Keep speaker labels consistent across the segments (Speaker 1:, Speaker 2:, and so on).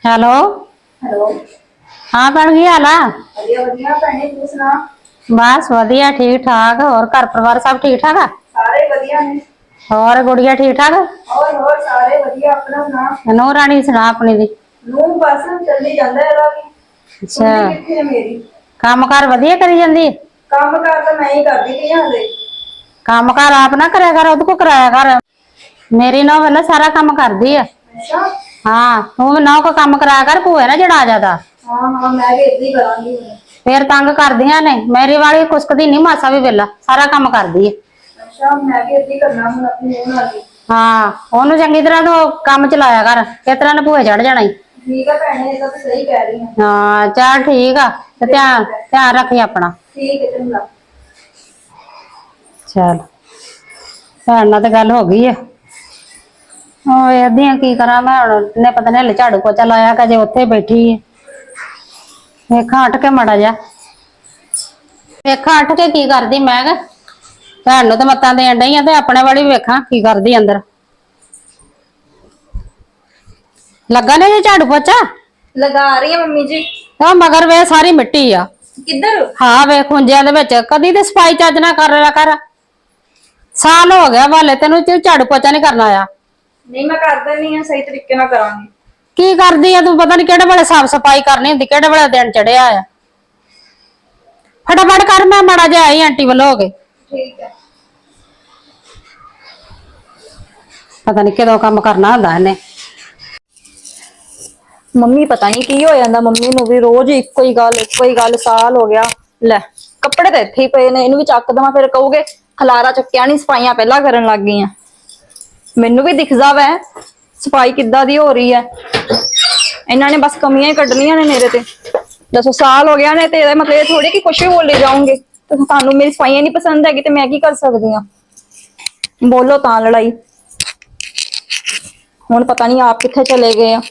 Speaker 1: Hello.
Speaker 2: Hello.
Speaker 1: हाँ भैन की हाल है?
Speaker 2: बढ़िया बढ़िया भैने तू सुना।
Speaker 1: बस वधिया ठीक ठाक। और घर परिवार सब ठीक ठाक है?
Speaker 2: सारे बढ़िया ने।
Speaker 1: और गुड़िया ठीक ठाक?
Speaker 2: और सारे बढ़िया। अपना सुना।
Speaker 1: नूह रानी सुना अपनी दी।
Speaker 2: नू बस चली जांदा है भी।
Speaker 1: अच्छा,
Speaker 2: कुंडी किथे है मेरी?
Speaker 1: काम कार वधिया करी जांदी?
Speaker 2: काम कार तो मैं ही करदी पई हां हले।
Speaker 1: काम कार आप ना करया कर, ओदे को कराया कर। मेरी नौह वाला सारा काम कर दी है।
Speaker 2: अच्छा।
Speaker 1: हाँ, तू नौह को काम कराया कर, भूए ना जड़ा ज्यादा।
Speaker 2: हां हां मैं भी इदां ही करांगी।
Speaker 1: फिर तंग कर दिया ने। मेरी वाली कुसकदी नहीं मासा भी वेला, सारा काम कर दी है।
Speaker 2: अच्छा मैं भी इदां ही करना हुन अपनी नूह नाल।
Speaker 1: हाँ, ओनू चंगी तरह तो काम चलाया कर, किस तरह ने भूए चढ़ जाना ही।
Speaker 2: ठीक है भैने, ये तो सही कह रही है।
Speaker 1: हाँ चल ठीक है, ध्यान ध्यान रखी अपना।
Speaker 2: ठीक है चंगा।
Speaker 1: चल भैन नाल तो गल हो गई है। वेखदी की करा मैं हुण, ने पता नहीं हले झाड़ू पोचा लाया कि अजे उत्थे बैठी है। वेखा उठ के मड़ा जा, वेखा उठ के की करदी। मैं भैन नूं तो मत्तां देण डई आ ते अपने वाली वेखा की करदी अंदर। लगा नहीं झाड़ू पोचा?
Speaker 2: लगा रही है मम्मी जी।
Speaker 1: तो मगर वे सारी मिट्टी आ।
Speaker 2: किधर?
Speaker 1: हाँ वे खुंजिया दे विच कदी ते सफाई चज ना कर लिया कर। साल हो गया वाले तेनू झाड़ू पोचा नहीं करना आया।
Speaker 2: नहीं मैं कर देनी है, सही तरीके नाल करांगी।
Speaker 1: की करदी है तू? पता नहीं केड़े वेले साफ सफाई करनी हुंदी, केड़े वेले दिन चढ़िया आ। फटाफट कर, मैं मड़ा जा आई आंटी वाल हो गए।
Speaker 2: ठीक है।
Speaker 1: पता नहीं कदों काम करना हुंदा इहने।
Speaker 2: ਮੰਮੀ ਪਤਾ ਨਹੀਂ ਕੀ ਹੋ ਜਾਂਦਾ ਮੰਮੀ ਨੂੰ ਵੀ ਰੋਜ਼ ਇੱਕੋ ਹੀ ਗੱਲ ਸਾਲ ਹੋ ਗਿਆ। ਲੈ ਕੱਪੜੇ ਤਾਂ ਇੱਥੇ ਹੀ ਪਏ ਨੇ, ਇਹਨੂੰ ਵੀ ਚੱਕ ਦਵਾਂ ਫਿਰ ਕਹੋਗੇ ਖਲਾਰਾ ਚੱਕਿਆ ਨਹੀਂ, ਸਫਾਈਆਂ ਪਹਿਲਾਂ ਕਰਨ ਲੱਗ ਗਈਆਂ। ਮੈਨੂੰ ਵੀ ਦਿਖਦਾ ਵੈ ਸਫਾਈ ਕਿੱਦਾਂ ਦੀ ਹੋ ਰਹੀ ਹੈ। ਇਹਨਾਂ ਨੇ ਬਸ ਕਮੀਆਂ ਹੀ ਕੱਢਣੀਆਂ ਨੇ ਮੇਰੇ ਤੇ। ਦੱਸੋ ਸਾਲ ਹੋ ਗਿਆ ਨੇ ਤੇ ਇਹਦਾ ਮਤਲਬ ਇਹ ਥੋੜੀ ਕਿ ਕੁਛ ਵੀ ਬੋਲੇ ਜਾਓਗੇ। ਤੇ ਤੁਹਾਨੂੰ ਮੇਰੀ ਸਫਾਈਆਂ ਨਹੀਂ ਪਸੰਦ ਹੈਗੀ ਤੇ ਮੈਂ ਕੀ ਕਰ ਸਕਦੀ ਹਾਂ? ਬੋਲੋ ਤਾਂ ਲੜਾਈ। ਹੁਣ ਪਤਾ ਨਹੀਂ ਆਪ ਕਿੱਥੇ ਚਲੇ ਗਏ ਆ।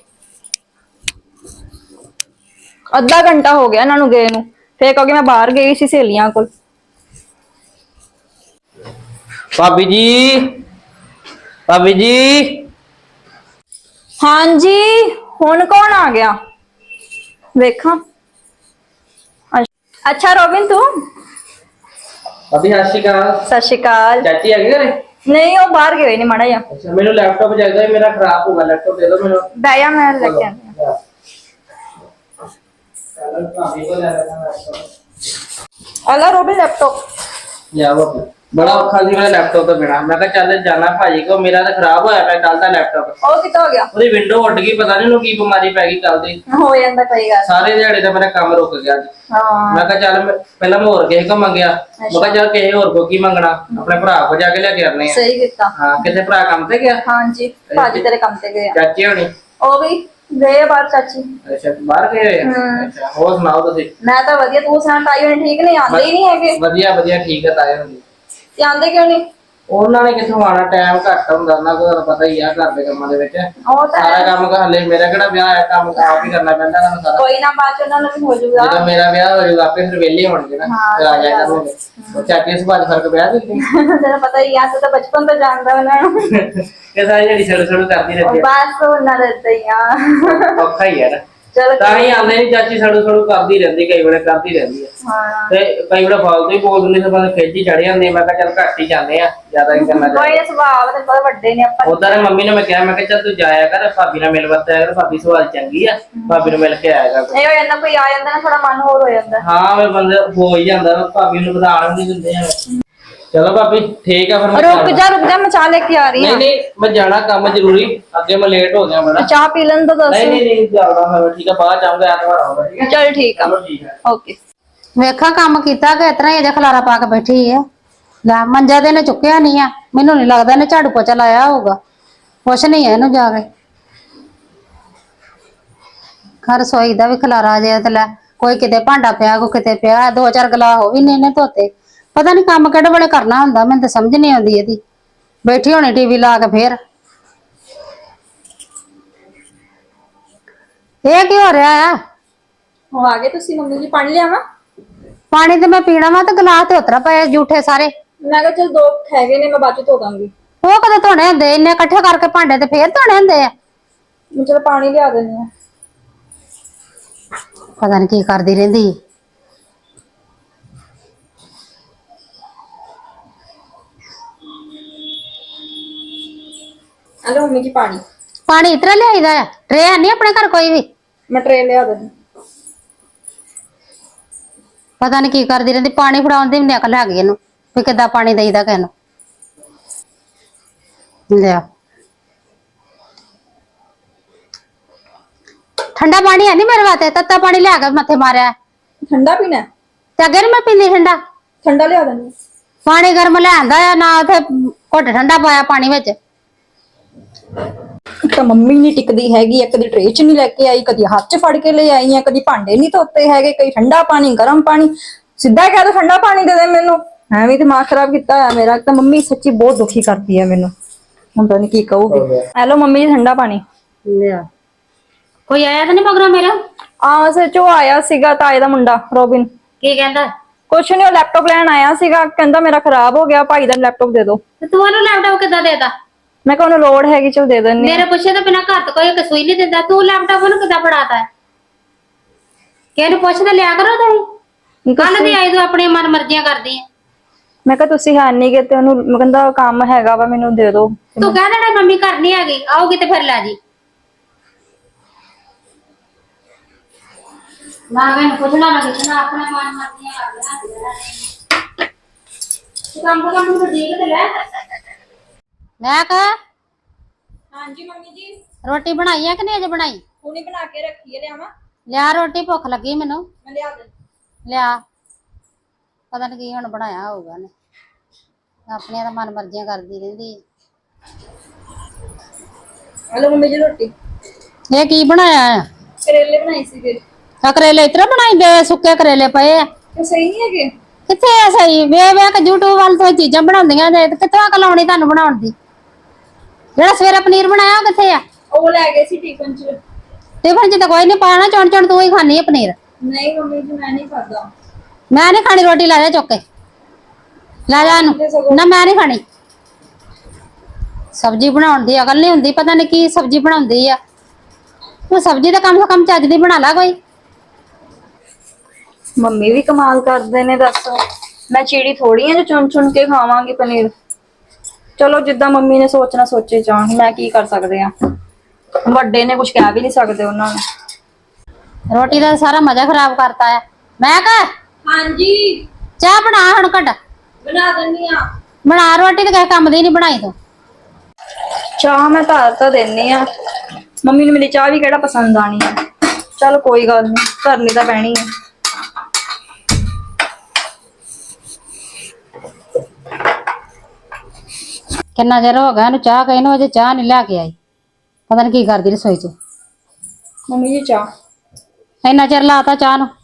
Speaker 2: ਅੱਧਾ ਘੰਟਾ ਹੋ ਗਿਆ ਇਹਨਾਂ ਨੂੰ ਗਏ ਨੂੰ, ਫੇਰ ਕਹੋਗੇ ਮੈਂ ਬਾਹਰ ਗਈ ਸੀ ਸਹੇਲੀਆਂ ਕੋਲ।
Speaker 3: भाभी जी, भाभी जी।
Speaker 2: ਹਾਂਜੀ ਹੁਣ ਕੌਣ ਆ ਗਿਆ ਵੇਖਾਂ। ਅੱਛਾ ਰੋਬਿਨ ਤੂੰ?
Speaker 3: भाभी सत श्री अकाल।
Speaker 2: ਸਤਿ ਸ਼੍ਰੀ ਅਕਾਲ।
Speaker 3: चाची आ गई घरे?
Speaker 2: ਨਹੀਂ ਉਹ ਬਾਹਰ ਗਏ ਨੇ ਮਾੜਾ ਜਿਹਾ।
Speaker 3: अच्छा मेनू लैपटॉप चाहिए, मेरा खराब होगा लैपटॉप, दे दो मेनू।
Speaker 2: ਬਹਿ ਜਾ ਮੈਂ ਲੈ ਕੇ ਆਉਂਦੀ ਹਾਂ।
Speaker 3: भाभी को ले लेना लैपटॉप।
Speaker 2: ਅਲਾ ਰੋਬਿਨ ਲੈਪਟਾਪ।
Speaker 3: या भाभी बड़ा औखा सी मेरा लैपटॉप तो बिना, मैं कहा चल जाना भाजी को, मेरा तो खराब होया पे कल दा लैपटॉप।
Speaker 2: ਉਹ ਕਿੱਥੋਂ ਹੋ ਗਿਆ?
Speaker 3: ਉਹਦੀ ਵਿੰਡੋ ਉੱਡ ਗਈ, ਪਤਾ ਨਹੀਂ ਉਹਨੂੰ ਕੀ ਬਿਮਾਰੀ ਪੈ ਗਈ ਕੱਲ ਦੀ।
Speaker 2: ਹੋ ਜਾਂਦਾ ਕਈ ਗੱਲ।
Speaker 3: ਸਾਰੇ ਦਿਹਾੜੇ ਦਾ ਮੇਰਾ ਕੰਮ ਰੁਕ ਗਿਆ ਅੱਜ।
Speaker 2: ਹਾਂ
Speaker 3: ਮੈਂ ਕਿਹਾ ਚੱਲ ਪਹਿਲਾਂ ਮੈਂ ਹੋਰ ਕਿਸੇ ਕੋ ਮੰਗਿਆ, ਮੈਂ ਕਿਹਾ ਚੱਲ ਕਿਸੇ ਹੋਰ ਕੋ ਕੀ ਮੰਗਣਾ, ਆਪਣੇ ਭਰਾ ਕੋ ਜਾ ਕੇ ਲੈ ਕੇ ਆਨੇ ਆ।
Speaker 2: ਸਹੀ ਕੀਤਾ।
Speaker 3: ਹਾਂ ਕਿਤੇ ਭਰਾ ਕੰਮ ਤੇ ਗਿਆ?
Speaker 2: ਹਾਂਜੀ ਭਾਜੀ ਤੇਰੇ ਕੰਮ ਤੇ ਗਏ ਆ।
Speaker 3: ਚਾਚੀ ਹੋਣੀ?
Speaker 2: ਉਹ ਵੀ ਗਏ ਆ ਬਾਹਰ ਚਾਚੀ।
Speaker 3: ਅੱਛਾ ਬਾਹਰ ਗਏ ਹੋਏ ਆ? ਅੱਛਾ ਹੋਰ ਸੁਣਾਓ ਤੁਸੀਂ?
Speaker 2: ਮੈਂ ਤਾਂ ਵਧੀਆ, ਤੂੰ ਸੁਣਾ ਤਾਈ ਹੋਣੀ ਠੀਕ ਨਹੀਂ? ਆਉਂਦੇ ਹੀ ਨਹੀਂ ਹੈਗੇ।
Speaker 3: ਵਧੀਆ ਵਧੀਆ ਠੀਕ ਹੈ ਤਾਏ ਹੁੰਦੀ।
Speaker 2: ਤੇ ਆਉਂਦੇ ਕਿਉਂ ਨਹੀਂ?
Speaker 3: ਉਹਨਾਂ ਨੇ ਕਿੱਥੋਂ ਆਣਾ, ਟਾਈਮ ਘੱਟ ਹੁੰਦਾ ਉਹਨਾਂ ਕੋਲ, ਤੁਹਾਨੂੰ ਪਤਾ ਹੀ ਆ ਘਰ ਦੇ ਕੰਮਾਂ ਦੇ ਵਿੱਚ।
Speaker 2: ਉਹ ਤਾਂ
Speaker 3: ਸਾਰਾ ਕੰਮ ਹਲੇ ਮੇਰਾ ਕਿਹੜਾ ਵਿਆਹ ਹੈ, ਕੰਮ ਆਪ ਹੀ ਕਰਨਾ ਪੈਂਦਾ ਇਹਨਾਂ ਨੂੰ ਸਾਰਾ।
Speaker 2: ਕੋਈ ਨਾ ਬਾਅਦ ਚ ਉਹਨਾਂ ਨੂੰ ਵੀ ਹੋ ਜਾਊਗਾ।
Speaker 3: ਜਦੋਂ ਮੇਰਾ ਵਿਆਹ ਹੋ ਜਾਊਗਾ ਆਪੇ ਫਿਰ ਵਿਹਲੇ ਹੋਣਗੇ ਨਾ, ਫਿਰ ਆ ਜਾਇਆ ਕਰਨਗੇ। ਉਹ ਚਾਚੀ ਸੁਭਾਅ ਚ ਫਰਕ ਪਿਆ ਦਿੰਦੀ
Speaker 2: ਤੈਨੂੰ ਪਤਾ ਹੀ ਆ, ਤੂੰ ਤਾਂ ਬਚਪਨ ਤੋਂ ਜਾਣਦਾ ਉਹਨਾਂ ਨੂੰ।
Speaker 3: ਕਿ ਸਾਰੀ ਜਿਹੜੀ ਛੜ ਛੜ ਕਰਦੀ ਰਹਿੰਦੀ
Speaker 2: ਬਸ ਉਹਨਾਂ ਦੇ ਏਦਾਂ ਹੀ ਆ।
Speaker 3: ਹੈ, ਔਖਾ ਹੀ ਹੈ ਨਾ।
Speaker 2: ਚਲ
Speaker 3: ਤਾਂ ਹੀ ਆਉਂਦੇ ਨਹੀਂ, ਚਾਚੀ ਛੜੂ ਛੜੂ ਕਰਦੀ ਰਹਿੰਦੀ, ਕਈ ਵੇਲੇ ਕਰਦੀ ਰਹਿੰਦੀ ਹੈ।
Speaker 2: ਹਾਂ
Speaker 3: ਤੇ ਕਈ ਵੇਲੇ ਫਾਲਤੂ ਹੀ ਬੋਲ ਦਿੰਦੀ, ਤੇ ਬੰਦੇ ਖਿੱਚ ਹੀ ਚੜ ਜਾਂਦੇ। ਮੈਂ ਕਿਹਾ ਚੱਲ ਘੱਟ ਹੀ ਜਾਂਦੇ ਆ, ਜ਼ਿਆਦਾ ਹੀ ਕਰਨਾ ਚਾਹੀਦਾ।
Speaker 2: ਕੋਈ ਸੁਭਾਅ ਤੇ ਬਹੁਤ ਵੱਡੇ ਨੇ ਆਪਾਂ।
Speaker 3: ਉਧਰ ਮੰਮੀ ਨੇ ਮੈਂ ਕਿਹਾ, ਮੈਂ ਕਿਹਾ ਚੱਲ ਤੂੰ ਜਾਇਆ ਕਰ, ਭਾਬੀ ਨਾਲ ਮਿਲ ਵਰਤਿਆ ਕਰ, ਭਾਬੀ ਸੁਭਾਅ ਚੰਗੀ ਆ, ਭਾਬੀ ਨੂੰ ਮਿਲ ਕੇ ਆਇਆ ਕਰ।
Speaker 2: ਇਹ ਹੋ ਜਾਂਦਾ ਕੋਈ ਆ ਜਾਂਦਾ ਨਾ, ਥੋੜਾ ਮਨ ਹੋਰ ਹੋ ਜਾਂਦਾ।
Speaker 3: ਹਾਂ ਮੈਂ ਬੰਦੇ ਹੋ ਹੀ ਜਾਂਦਾ, ਭਾਬੀ ਨੂੰ ਵਧਾਣ ਵੀ ਨਹੀਂ ਦਿੰਦੇ ਆ। ਚਲੋ ਭਾਬੀ ਠੀਕ ਆ ਫਿਰ ਮੈਂ
Speaker 2: ਰੁਕ ਜਾ ਮੈਂ ਚਾਹ ਲੈ ਕੇ ਆ ਰਹੀ
Speaker 3: ਨਹੀਂ
Speaker 2: ਹਾਂ।
Speaker 3: ਨਹੀਂ ਮੈਂ ਜਾਣਾ ਕੰਮ ਜ਼ਰੂਰੀ, ਅੱਗੇ ਮੈਂ ਲੇਟ ਹੋ ਗਿਆ ਬੜਾ।
Speaker 2: ਚਾਹ ਪੀ ਲੈਣ ਤਾਂ ਦੱਸ।
Speaker 3: ਨਹੀਂ ਨਹੀਂ ਨਹੀਂ ਜਾਣਾ ਮੈਂ, ਠੀਕ ਆ ਬਾਅਦ ਚ ਆਉਂਗਾ, ਐਤਵਾਰ ਆਉਂਗਾ। ਠੀਕ ਹੈ
Speaker 2: ਚਲ ਠੀਕ ਆ।
Speaker 3: ਚਲੋ ਠੀਕ ਹੈ
Speaker 2: ਓਕੇ।
Speaker 1: ਵੇਖਾ ਕੰਮ ਕੀਤਾ ਕਿ ਇਤਨਾ ਹੀ ਅਜੇ ਖਲਾਰਾ ਪਾ ਕੇ ਬੈਠੀ ਹੈ। ਲੈ ਮੰਜਾ ਤੇ ਇਹਨੇ ਚੁੱਕਿਆ ਨਹੀਂ ਆ, ਮੈਨੂੰ ਨਹੀਂ ਲੱਗਦਾ ਇਹਨੇ ਝਾੜੂ ਪੋਚਾ ਲਾਇਆ ਹੋਊਗਾ। ਕੁਛ ਨਹੀਂ ਹੈ ਇਹਨੂੰ ਜਾ ਕੇ ਘਰ ਰਸੋਈ ਦਾ ਵੀ ਖਲਾਰਾ ਜੇ ਤੇ ਲੈ, ਕੋਈ ਕਿਤੇ ਭਾਂਡਾ ਪਿਆ, ਕੋਈ ਕਿਤੇ ਪਿਆ, ਦੋ ਚਾਰ ਗਲਾਸ ਉਹ ਵੀ ਨਹੀਂ ਇਹਨੇ ਧੋਤੇ। ਪਤਾ ਨਹੀਂ ਕੰਮ ਕਿਹੜੇ ਵੇਲੇ ਕਰਨਾ ਹੁੰਦਾ, ਮੈਨੂੰ ਤਾਂ ਸਮਝ ਨਹੀਂ ਆਉਂਦੀ ਇਹਦੀ। ਬੈਠੀ ਹੋਣੀ ਟੀਵੀ ਲਾ ਕੇ। ਫੇਰ ਇਹ ਕੀ ਹੋ ਰਿਹਾ ਆ?
Speaker 2: ਉਹ ਆ ਗਏ ਤੁਸੀਂ? ਮੰਮੀ ਜੀ ਪਾਣੀ ਲਿਆਵਾਂ?
Speaker 1: ਪਾਣੀ ਤੇ ਮੈਂ ਪੀਣਾ ਵਾ, ਤੇ ਗਲਾਸ ਤੇ ਉਤਰਾ ਪਏ ਜੂਠੇ ਸਾਰੇ।
Speaker 2: ਮੈਂ ਕਿਹਾ ਚਲ ਦੋ ਹੈਗੇ ਨੇ, ਮੈਂ ਬਾਅਦ ਚ ਧੋ ਦਾਂਗੀ।
Speaker 1: ਉਹ ਕਦੇ ਧੋਣੇ ਹੁੰਦੇ ਇੰਨੇ ਇਕੱਠੇ ਕਰਕੇ ਭਾਂਡੇ, ਤੇ ਫੇਰ ਧੋਣੇ ਹੁੰਦੇ ਆ।
Speaker 2: ਮੈਂ ਚਲ ਪਾਣੀ ਲਿਆ ਦਿੰਦੀ ਆ।
Speaker 1: ਪਤਾ ਨਹੀਂ ਕੀ ਕਰਦੀ ਰਹਿੰਦੀ।
Speaker 2: हेलो मम्मी जी पानी।
Speaker 1: ਪਾਣੀ ਇਤਰਾ ਲਿਆਈਦਾ ਆ? ਟਰੇ ਹੈ ਨਹੀਂ ਆਪਣੇ ਘਰ ਕੋਈ ਵੀ?
Speaker 2: मैं ट्रे लिया देनी।
Speaker 1: ਪਤਾ ਨਹੀਂ ਕੀ ਕਰਦੀ ਰਹਿੰਦੀ। ਪਾਣੀ ਫੜਾਉਣ ਦੀ ਵੀ ਨੀ ਅਕਲ ਹੈਗੀ ਇਹਨੂੰ ਵੀ ਕਿੱਦਾਂ ਪਾਣੀ ਦੇਈਦਾ ਕਿਸੇ ਨੂੰ। ਲਿਆ ਠੰਡਾ ਪਾਣੀ ਹੈ ਨਹੀਂ ਮੇਰੇ ਵਾਸਤੇ। ਤੱਤਾ ਪਾਣੀ ਲਿਆ ਕੇ ਮੱਥੇ ਮਾਰਿਆ
Speaker 2: ठंडा पीना है?
Speaker 1: ਤੇ ਅੱਗੇ ਨੀ ਮੈਂ ਪੀਂਦੀ ਠੰਡਾ।
Speaker 2: ठंडा लिया देनी।
Speaker 1: ਪਾਣੀ ਗਰਮ ਲਿਆਂਦਾ ਆ ਨਾ, ਉਥੇ ਘੁੱਟ ਠੰਡਾ ਪਾਇਆ ਪਾਣੀ ਵਿੱਚ।
Speaker 2: ਤਾਂ ਮੰਮੀ ਨਹੀਂ ਟਿਕਦੀ ਹੈਗੀ ਆ, ਕਦੀ ਟਰੇ ਚ ਨਹੀਂ ਲੈ ਕੇ ਆਈ, ਕਦੀ ਹੱਥ ਚ ਫੜ ਕੇ ਲੈ ਆਈ ਆ, ਕਦੀ ਭਾਂਡੇ ਨਹੀਂ ਧੋਤੇ ਹੈਗੇ, ਕਈ ਠੰਡਾ ਪਾਣੀ ਗਰਮ ਪਾਣੀ। ਸਿੱਧਾ ਕਹਿ ਦੋ ਠੰਡਾ ਪਾਣੀ ਦੇ ਦੇ ਮੈਨੂੰ। ਐਵੇਂ ਦਿਮਾਗ ਖਰਾਬ ਕੀਤਾ ਹੋਇਆ ਮੇਰਾ। ਤਾਂ ਮੰਮੀ ਸੱਚੀ ਬਹੁਤ ਦੁਖੀ ਕਰਦੀ ਹੈ ਮੈਨੂੰ। ਹੁਣ ਪਤਾ ਨਹੀਂ ਕੀ ਕਹੂਗੀ। ਹੈਲੋ ਮੰਮੀ ਜੀ ਠੰਡਾ ਪਾਣੀ
Speaker 1: ਲਿਆ। ਕੋਈ ਆਇਆ ਤਾਂ ਨਹੀਂ ਮਗਰੋਂ ਮੇਰਾ?
Speaker 2: ਆ ਸੱਚੋ ਆਇਆ ਸੀਗਾ ਤਾਏ ਦਾ ਮੁੰਡਾ ਰੋਬਿਨ।
Speaker 1: ਕੀ ਕਹਿੰਦਾ?
Speaker 2: ਕੁਛ ਨਹੀਂ, ਉਹ ਲੈਪਟਾਪ ਲੈਣ ਆਇਆ ਸੀਗਾ, ਕਹਿੰਦਾ ਮੇਰਾ ਖਰਾਬ ਹੋ ਗਿਆ, ਭਾਈ ਦਾ ਲੈਪਟਾਪ ਦੇ ਦਿਓ।
Speaker 1: ਤੇ ਤੂੰ ਉਹਨੂੰ ਲੈਪਟਾਪ ਕਿੱਦਾਂ ਦੇਦਾ?
Speaker 2: ਮੈਂ ਕਿਹਾ ਉਹਨੂੰ ਲੋੜ ਹੈਗੀ, ਚਲ ਦੇ ਦਿੰਨੀ।
Speaker 1: ਮੇਰੇ ਪੁੱਛੇ ਤੋਂ ਬਿਨਾਂ ਘਰ ਤੋਂ ਕੋਈ ਕਸੂਈ ਨਹੀਂ ਦਿੰਦਾ। ਤੂੰ ਲੈਪਟਾਪ ਉਹਨੂੰ ਕਿੱਦਾਂ ਫੜਾਤਾ? ਕਿਹਨੂੰ ਪੁੱਛਦਾ ਲਿਆ ਕਰੋ ਤੁਸੀਂ। ਕੱਲ ਦੀ ਆਈ ਤੂੰ ਆਪਣੀ ਮਨ ਮਰਜ਼ੀਆਂ ਕਰਦੀ ਆ।
Speaker 2: ਮੈਂ ਕਿਹਾ ਤੁਸੀਂ ਹੈ ਨਹੀਂ ਗੇ ਤੇ ਉਹਨੂੰ ਕਹਿੰਦਾ ਕੰਮ ਹੈਗਾ ਵਾ, ਮੈਨੂੰ ਦੇ ਦਿਓ।
Speaker 1: ਤੂੰ ਕਹਿ ਦੇਣਾ ਮੰਮੀ ਘਰ ਨਹੀਂ ਹੈਗੀ, ਆਉਗੀ ਤੇ ਫਿਰ ਲੈ ਜੀ। ਨਾ ਮੈਨੂੰ ਪੁੱਛਣਾ ਨਾ ਕਿਛਣਾ, ਆਪਣਾ ਮਨ ਮਰਜ਼ੀਆਂ ਕਰਦੀਆਂ। ਤੂੰ ਕੰਮ ਨੂੰ ਦੇਖ ਤੇ ਲੈ। ਮੈਂ ਕਹ
Speaker 2: ਹਾਂਜੀ ਮੰਮੀ ਜੀ।
Speaker 1: ਰੋਟੀ ਬਣਾਈ ਆ ਕਿ ਨਹੀਂ ਅਜੇ ਬਣਾਈ?
Speaker 2: ਹੁਣੇ ਬਣਾ ਕੇ ਰੱਖੀ ਹੈ, ਲਿਆਵਾਂ?
Speaker 1: ਲਿਆ ਰੋਟੀ, ਭੁੱਖ ਲੱਗੀ ਮੈਨੂੰ।
Speaker 2: ਮੈਂ ਲਿਆ ਦੇ।
Speaker 1: ਲਿਆ। ਪਤਾ ਨਹੀਂ ਕੀ ਹੁਣ ਬਣਾਇਆ ਹੋਊਗਾ ਨੇ। ਆਪਣੀਆਂ ਤਾਂ ਮਨ ਮਰਜ਼ੀਆਂ ਕਰਦੀ ਰਹਿੰਦੀ।
Speaker 2: ਹਲੋ ਮੰਮੀ ਜੀ ਰੋਟੀ।
Speaker 1: ਇਹ ਕੀ ਬਣਾਇਆ ਆ?
Speaker 2: ਕਰੇਲੇ ਬਣਾਏ ਸੀਗੇ।
Speaker 1: ਆ ਕਰੇਲੇ ਇਤਰਾ ਬਣਾਈਦੇ? ਸੁੱਕੇ ਕਰੇਲੇ ਪਏ ਆ।
Speaker 2: ਤੇ ਸਹੀ ਨਹੀਂ ਹੈਗੇ?
Speaker 1: ਕਿੱਥੇ ਆ ਸਹੀ? ਵੇ ਕੇ YouTube ਵੱਲ ਤੋਂ ਚੀਜ਼ਾਂ ਬਣਾਉਂਦੀਆਂ ਨੇ, ਕਿੱਥੋਂ ਅਕਲ ਆਉਣੀ ਤੁਹਾਨੂੰ ਬਣਾਉਣ ਦੀ? ਜਿਹੜਾ ਸਵੇਰੇ ਪਨੀਰ ਬਣਾਇਆ ਉਹ ਕਿੱਥੇ ਆ?
Speaker 2: ਉਹ ਲੈ ਗਏ ਸੀ ਟਿਫਨ ਚ।
Speaker 1: ਟਿਫਨ ਚ ਤਾਂ ਕੋਈ ਨਹੀਂ ਪਾਣਾ, ਚੁਣ ਚੁਣ ਤੂੰ ਹੀ ਖਾਣੀ ਆ ਪਨੀਰ।
Speaker 2: ਨਹੀਂ ਮੰਮੀ ਜੀ ਮੈਂ ਨਹੀਂ ਖਾਦਾ।
Speaker 1: ਮੈਂ ਨਹੀਂ ਖਾਣੀ ਰੋਟੀ, ਲੈ ਜਾ ਚੁੱਕ ਕੇ। ਲੈ ਜਾ ਇਹਨੂੰ। ਨਾ ਮੈਂ ਨਹੀਂ ਖਾਣੀ। ਸਬਜ਼ੀ ਬਣਾਉਣ ਦੀ ਅਕਲ ਨਹੀਂ ਹੁੰਦੀ, ਪਤਾ ਨਹੀਂ ਕੀ ਸਬਜ਼ੀ ਬਣਾਉਂਦੀ ਆ। ਤੂੰ ਸਬਜ਼ੀ ਤਾਂ ਕਮ ਸੇ ਕਮ ਚੱਜ ਦੀ ਬਣਾ ਲਾ ਕੋਈ।
Speaker 2: ਮੰਮੀ ਵੀ ਕਮਾਲ ਕਰਦੇ ਨੇ ਦੱਸ। ਮੈਂ ਚੀੜੀ ਥੋੜੀ ਆ ਜੋ ਚੁਣ ਚੁਣ ਕੇ ਖਾਵਾਂਗੀ ਪਨੀਰ। ਚਲੋ ਜਿੱਦਾਂ ਮੰਮੀ ਨੇ ਸੋਚਣਾ ਸੋਚੇ ਜਾਣ, ਮੈਂ ਕੀ ਕਰ ਸਕਦੇ ਆ। ਵੱਡੇ ਨੇ ਕੁਝ ਕਹਿ ਵੀ ਨਹੀਂ ਸਕਦੇ ਉਹਨਾਂ ਨੂੰ।
Speaker 1: ਰੋਟੀ ਦਾ ਸਾਰਾ ਮਜ਼ਾ ਖਰਾਬ ਕਰਤਾ ਹੈ। ਮੈਂ ਕਹ
Speaker 2: ਹਾਂਜੀ
Speaker 1: ਚਾਹ ਬਣਾ ਹੁਣ ਘਟ।
Speaker 2: ਬਣਾ ਦਿੰਨੀ ਆ।
Speaker 1: ਬਣਾ ਰੋਟੀ ਤੇ ਕਿਸੇ ਕੰਮ ਦੀ ਨਹੀਂ ਬਣਾਈ ਤੂੰ।
Speaker 2: ਚਾਹ ਮੈਂ ਤਾਂ ਦੇਣੀ ਆ। ਮੰਮੀ ਨੂੰ ਮੇਰੀ ਚਾਹ ਵੀ ਕਿਹੜਾ ਪਸੰਦ ਆਣੀ ਆ। ਚਲ ਕੋਈ ਗੱਲ ਨਹੀਂ, ਕਰਨੀ ਤਾਂ ਪੈਣੀ ਆ।
Speaker 1: ਕਿੰਨਾ ਚਿਰ ਹੋ ਗਿਆ ਇਹਨੂੰ ਚਾਹ ਕਹੀ ਨੂੰ, ਅਜੇ ਚਾਹ ਨਹੀਂ ਲੈ ਕੇ ਆਈ। ਪਤਾ ਨਹੀਂ ਕੀ ਕਰਦੀ ਰਸੋਈ 'ਚ।
Speaker 2: ਮੰਮੀ ਜੀ ਚਾਹ।
Speaker 1: ਇੰਨਾ ਚਿਰ ਲਾਤਾ ਚਾਹ ਨੂੰ।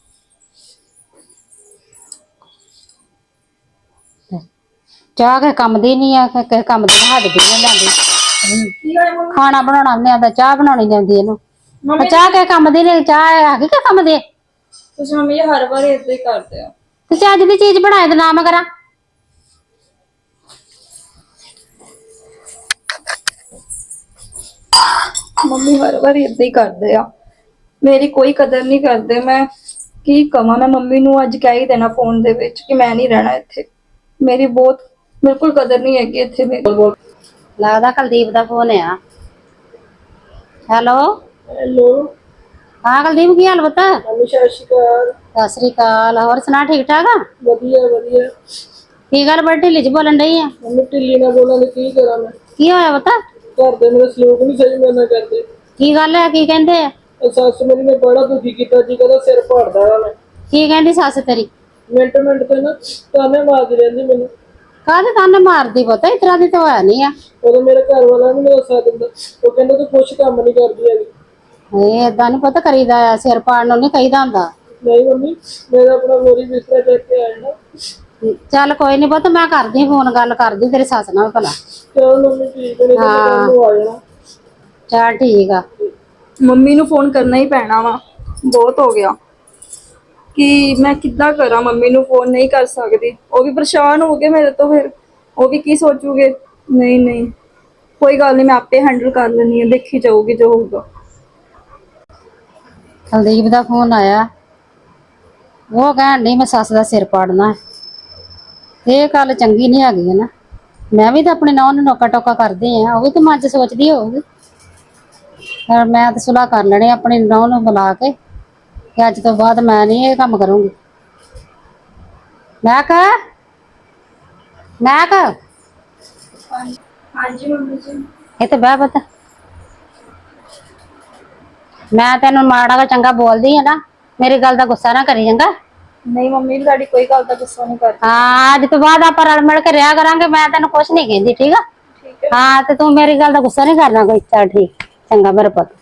Speaker 1: ਚਾਹ ਕਿਸੇ ਕੰਮ ਦੀ ਨਹੀਂ ਆ, ਕਿਸੇ ਕੰਮ ਦੀ ਹੱਦ ਦੀ ਨਹੀਂ ਲੈਂਦੀ।
Speaker 2: ਕੀ ਹੋਇਆ ਮੰਮੀ?
Speaker 1: ਖਾਣਾ ਬਣਾਉਣਾ ਨਹੀਂ ਆਉਂਦਾ, ਚਾਹ ਬਣਾਉਣੀ ਨੀ ਆਉਂਦੀ ਇਹਨੂੰ।
Speaker 2: ਮੰਮੀ
Speaker 1: ਚਾਹ ਕਿਸੇ ਕੰਮ ਦੀ ਨਹੀਂ, ਚਾਹ ਹੈਗੀ ਕਿਸੇ ਕੰਮ ਦੀ?
Speaker 2: ਤੁਸੀਂ ਮੰਮੀ ਜੀ ਹਰ ਵਾਰ ਏਦਾਂ ਹੀ ਕਰਦੇ ਹੋ।
Speaker 1: ਤੇ ਚੱਜ ਦੀ ਚੀਜ਼ ਬਣਾਏ ਤੇ ਨਾ ਮੈਂ ਕਰਾਂ।
Speaker 2: ਮੰਮੀ ਹਰ ਵਾਰ ਏਦਾਂ ਹੀ ਕਰਦੇ ਆ, ਮੇਰੀ ਕੋਈ ਕਦਰ ਨਹੀਂ ਕਰਦੇ। ਮੈਂ ਕੀ ਕਵਾਂ, ਮੈਂ ਮੰਮੀ ਨੂੰ ਅੱਜ ਕਹਿ ਹੀ ਦੇਣਾ ਫੋਨ ਦੇ ਵਿੱਚ ਕਿ ਮੈਂ ਨਹੀਂ ਰਹਿਣਾ ਇੱਥੇ। ਮੇਰੀ ਬਹੁਤ ਬਿਲਕੁਲ ਕਦਰ ਨਹੀਂ ਹੈਗੀ ਇੱਥੇ ਮੇਰੀ।
Speaker 1: ਲੱਗਦਾ ਕੁਲਦੀਪ ਦਾ ਫੋਨ ਆ। Hello
Speaker 3: hello.
Speaker 1: ਹਾਂ ਕੁਲਦੀਪ, ਕੀ ਹਾਲ ਪੁੱਤ?
Speaker 3: ਮੰਮੀ ਸਤਿ ਸ਼੍ਰੀ ਅਕਾਲ।
Speaker 1: ਸਤਿ ਸ੍ਰੀ ਅਕਾਲ। ਹੋਰ ਸੁਣਾ, ਠੀਕ ਠਾਕ ਆ?
Speaker 3: ਵਧੀਆ ਵਧੀਆ।
Speaker 1: ਕੀ ਗੱਲ ਬੜੀ ਢਿੱਲੀ 'ਚ ਬੋਲਣ ਡਈ ਆ?
Speaker 3: ਮੰਮੀ ਢਿੱਲੀ ਨਾ ਬੋਲਾਂ ਤੇ ਕੀ ਕਰਾਂ ਮੈਂ।
Speaker 1: ਕੀ ਹੋਇਆ ਪੁੱਤ?
Speaker 3: ਘਰ ਦੇ ਮੇਰੇ ਸਲੂਕ ਨਹੀਂ ਸਹੀ ਮੇਰੇ ਨਾਲ ਕਰਦੇ।
Speaker 1: ਕੀ ਗੱਲ ਹੈ? ਕੀ ਕਹਿੰਦੇ ਆ?
Speaker 3: ਸੱਸ ਮੇਰੀ ਨੇ ਬੜਾ ਦੁਖੀ ਕੀਤਾ ਜੀ, ਕਹਿੰਦਾ ਸਿਰ ਭਾੜਦਾ ਆ ਮੈਂ।
Speaker 1: ਕੀ ਕਹਿੰਦੀ ਸੱਸ ਤੇਰੀ?
Speaker 3: ਮਿੰਟ ਮਿੰਟ ਤੇ ਨਾ ਤਾਨੇ ਮਾਰਦੀ ਰਹਿੰਦੀ ਮੈਨੂੰ।
Speaker 1: ਕਾਹਦੇ ਤਾਨੇ ਮਾਰਦੀ ਪੁੱਤ? ਇਸ ਤਰ੍ਹਾਂ ਦੀ ਤਾਂ ਹੋਇਆ ਨਹੀਂ ਆ।
Speaker 3: ਉਦੋਂ ਮੇਰੇ ਘਰ ਵਾਲਾ ਨੀ ਮੇਰਾ ਸਾਥ ਦਿੰਦਾ। ਉਹ ਕਹਿੰਦਾ ਤੂੰ ਕੁਛ ਕੰਮ ਨਹੀਂ ਕਰਦੀ ਹੈਗੀ।
Speaker 1: ਇਹ ਏਦਾਂ ਨੀ ਪੁੱਤ ਕਰੀਦਾ ਆ, ਸਿਰ ਪਾੜ ਨੂੰ ਨੀ ਕਹੀਦਾ ਹੁੰਦਾ।
Speaker 3: ਨਹੀਂ ਮੰਮੀ, ਮੇਰਾ ਆਪਣਾ ਮੋਰੀ ਬਿਸਤਰਾ ਚੱਕ ਕੇ ਆਇਆ ਨਾ।
Speaker 1: ਚੱਲ ਕੋਈ ਨੀ ਪੁੱਤ, ਮੈਂ ਕਰਦੀ ਫੋਨ, ਗੱਲ ਕਰਦੀ ਤੇਰੀ ਸੱਸ ਨਾਲ ਭਲਾ।
Speaker 3: ਚਲ ਮੰਮੀ ਠੀਕ ਹੈ, ਨਹੀਂ ਤਾਂ ਮੈਂ ਕੱਲ ਨੂੰ ਆ ਜਾਣਾ।
Speaker 1: ਚੱਲ ਠੀਕ ਆ।
Speaker 2: ਮੰਮੀ ਨੂੰ ਫੋਨ ਕਰਨਾ ਹੀ ਪੈਣਾ ਵਾ, ਬਹੁਤ ਹੋ ਗਿਆ। ਕਿ ਮੈਂ ਕਿੱਦਾਂ ਕਰਾਂ, ਮੰਮੀ ਨੂੰ ਫੋਨ ਨਹੀਂ ਕਰ ਸਕਦੀ। ਉਹ ਵੀ ਪਰੇਸ਼ਾਨ ਹੋ ਗਏ ਮੇਰੇ ਤੋਂ, ਫਿਰ ਉਹ ਵੀ ਕੀ ਸੋਚੂਗੇ। ਨਹੀਂ ਨਹੀਂ ਕੋਈ ਗੱਲ ਨਹੀਂ, ਮੈਂ ਆਪੇ ਹੈਂਡਲ ਕਰ ਲੈਣੀ ਆ, ਦੇਖੀ ਜਾਊਗੀ ਜੋ ਹੋਊਗਾ।
Speaker 1: ਕੁਲਦੀਪ ਦਾ ਫੋਨ ਆਇਆ, ਉਹ ਕਹਿਣ ਡਈ ਮੈਂ ਸੱਸ ਦਾ ਸਿਰ ਪਾੜਨਾ ਹੈ। ਇਹ ਗੱਲ ਚੰਗੀ ਨਹੀਂ ਹੈਗੀ ਹੈ ਨਾ। ਮੈਂ ਵੀ ਤਾਂ ਆਪਣੀ ਨੌਂ ਨੂੰ ਨੋਕਾ ਟੋਕਾ ਕਰਦੀ ਆ, ਉਹ ਵੀ ਤਾਂ ਮਨ ਚ ਸੋਚਦੀ ਹੋਊਗੀ। ਪਰ ਮੈਂ ਤਾਂ ਸੁਲਾਹ ਕਰ ਲੈਣੀ ਆਪਣੀ ਨੌਂ ਨੂੰ ਬੁਲਾ ਕੇ ਕਿ ਅੱਜ ਤੋਂ ਬਾਅਦ ਮੈਂ ਨਹੀਂ ਇਹ ਕੰਮ ਕਰੂੰਗੀ। ਮੈਂ ਕਹ
Speaker 2: ਹਾਂਜੀ ਮੰਮੀ ਜੀ।
Speaker 1: ਇੱਥੇ ਬਹਿ ਪੁੱਤ। ਮੈਂ ਤੈਨੂੰ ਮਾੜਾ ਗਾ ਚੰਗਾ ਬੋਲਦੀ ਆ ਨਾ, ਮੇਰੀ ਗੱਲ ਦਾ ਗੁੱਸਾ ਨਾ ਕਰੀ ਚੰਗਾ।
Speaker 2: ਨਹੀਂ ਮੰਮੀ ਜੀ, ਤੁਹਾਡੀ ਕੋਈ ਗੱਲ ਦਾ ਗੁੱਸਾ ਨਹੀਂ ਕਰਦੀ।
Speaker 1: ਹਾਂ ਅੱਜ ਤੋਂ ਬਾਅਦ ਆਪਾਂ ਰਲ ਮਿਲ ਕੇ ਰਿਹਾ ਕਰਾਂਗੇ। ਮੈਂ ਤੈਨੂੰ ਕੁਛ ਨਹੀਂ ਕਹਿੰਦੀ, ਠੀਕ ਆ।
Speaker 2: ਠੀਕ ਹੈ।
Speaker 1: ਹਾਂ ਤੇ ਤੂੰ ਮੇਰੀ ਗੱਲ ਦਾ ਗੁੱਸਾ ਨਹੀਂ ਕਰਨਾ ਕੋਈ। ਚੱਲ ਠੀਕ, ਚੰਗਾ ਮੇਰੇ ਪੁੱਤ।